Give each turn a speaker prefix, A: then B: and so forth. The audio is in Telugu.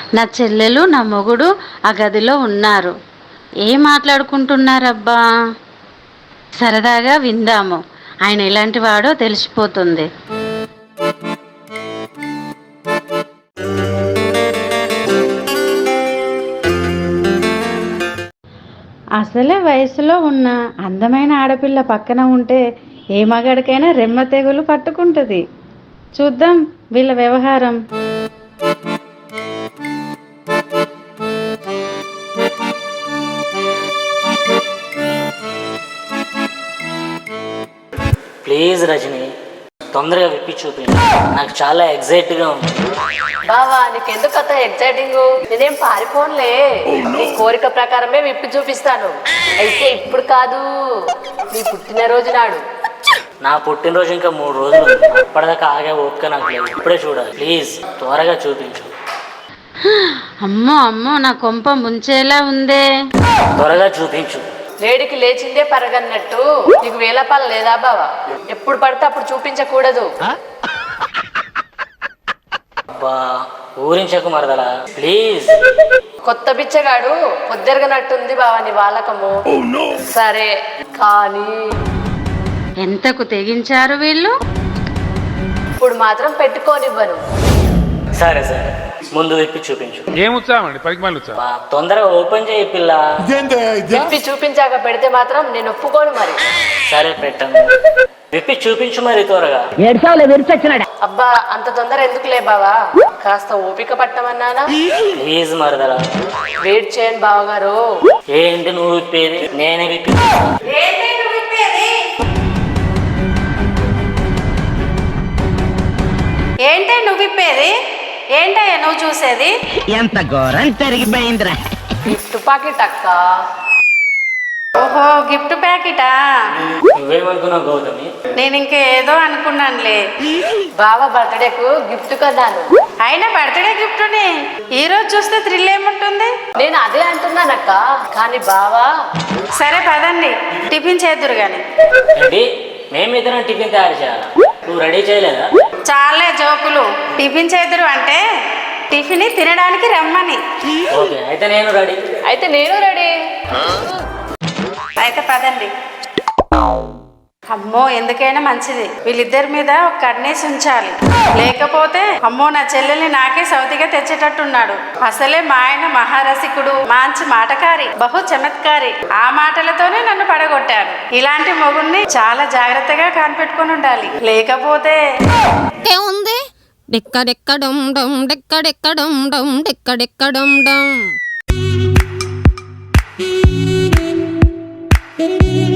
A: నా చెల్లెలు నా మొగుడు ఆ గదిలో ఉన్నారు. ఏం మాట్లాడుకుంటున్నారబ్బా? సరదాగా విందాము. ఆయన ఎలాంటి వాడో తెలిసిపోతుంది. అసలే వయసులో ఉన్న అందమైన ఆడపిల్ల పక్కన ఉంటే ఏ మగాడికైనా రెమ్మ తెగులు పట్టుకుంటుంది. చూద్దాం వీళ్ళ వ్యవహారం.
B: ప్లీజ్ రజని, తొందరగా విప్పి చూపించు. నాకు చాలా ఎగ్జైట్గా ఉంది.
C: బావా నీకెందుకు అంత ఎగ్జైటింగ్? నేనేం పారిపోన్లే, నీ కోరిక ప్రకారమే విప్పి చూపిస్తాను. అయితే ఇప్పుడు కాదు, నీ పుట్టినరోజు నాడు.
B: నా పుట్టినరోజు ఇంకా 3 రోజులు ఉంది. అప్పటిదాకా ఆగే ఓపిక నాకు లేదు. ఇప్పుడే చూడాలి. ప్లీజ్ త్వరగా చూపించు.
A: అమ్మో అమ్మో, నా కొంప ముంచేలా ఉందే.
B: త్వరగా చూపించు.
C: లేడికి లేచిందే పరగన్నట్టు నీకు వేలపాలు లేదా బావా? ఎప్పుడు పడితే అప్పుడు చూపించకూడదు.
B: అబ్బా ఊరించకు మరదలా, ప్లీజ్.
C: కొత్త బిచ్చగాడు పొద్దెరగనట్టుంది బావా నీ వాళ్ళకము. సరే కానీ
A: ఎంతకు తెగించారు వీళ్ళు?
C: ఇప్పుడు మాత్రం పెట్టుకోనివ్వను.
B: సరే సరే, ముందు విప్పి చూపించు.
D: ఏం ఉత్సాహం అండి, పనికి మళ్ళీ ఉత్సాహం.
B: అబ్బా, తొందరగా ఓపెన్ చేయి పిల్ల.
C: విప్పి చూపించాక పెడితే మాత్రం నేను ఒప్పుకోను మరి.
B: సరే పెట్టను. విప్పి చూపించు మరి త్వరగా.
C: అబ్బా అంత తొందర ఎందుకులే బావా, కాస్త ఓపిక పట్టమన్నానా?
B: ప్లీజ్ మరదలా.
C: వెయిట్ చేయండి బావగారు.
B: ఏంటి నువ్వు విప్పేది? నేనే విప్పి.
A: ఏంటే నువ్వు విప్పేది? ఏంటయ్యా నువ్వు చూసేది?
E: ఎంత ఘోరం జరిగిపోయిందిరా.
C: గిఫ్ట్ పాకెట్ అక్క.
A: ఓహో, గిఫ్ట్ ప్యాకెటా?
B: నువ్వేమనుకున్నావు గౌతమి?
A: నేను ఇంకేదో అనుకున్నానులే.
C: బావ బర్త్డేకు గిఫ్ట్ కొన్నాను.
A: అయినా బర్త్డే గిఫ్ట్ని ఈ రోజు చూస్తే థ్రిల్ ఏముంటుంది?
C: నేను అదే అంటున్నానక్క, కానీ బావా.
A: సరే పదండి, టిఫిన్ చేద్దురు గాని.
B: ఏంటి మేమిద్దరం టిఫిన్ తయారు చేయాలా? నువ్వు రెడీ చేయలేదా?
A: చాలే జోకులు. టిఫిన్ చేద్దురు అంటే టిఫిన్ తినడానికి రమ్మని.
B: ఓకే అయితే నేను రెడీ.
C: అయితే నేను రెడీ.
A: అయితే పదండి. అమ్మో, ఎందుకైనా మంచిది వీళ్ళిద్దరి మీద ఒక కన్నేసి ఉంచాలి. లేకపోతే అమ్మో నా చెల్లెల్ని నాకే సౌతిగా తెచ్చేటట్టున్నాడు. అసలే మా ఆయన మహారసికుడు, మంచి మాటకారి, బహు చమత్కారి. ఆ మాటలతోనే నన్ను పడగొట్టారు. ఇలాంటి మొగుణ్ణి చాలా జాగ్రత్తగా కనిపెట్టుకుని ఉండాలి. లేకపోతే
F: ఉంది డెక్కడెక్కడం డమ్ డెక్కడెక్కడం డమ్ డెక్కడెక్కడం డమ్.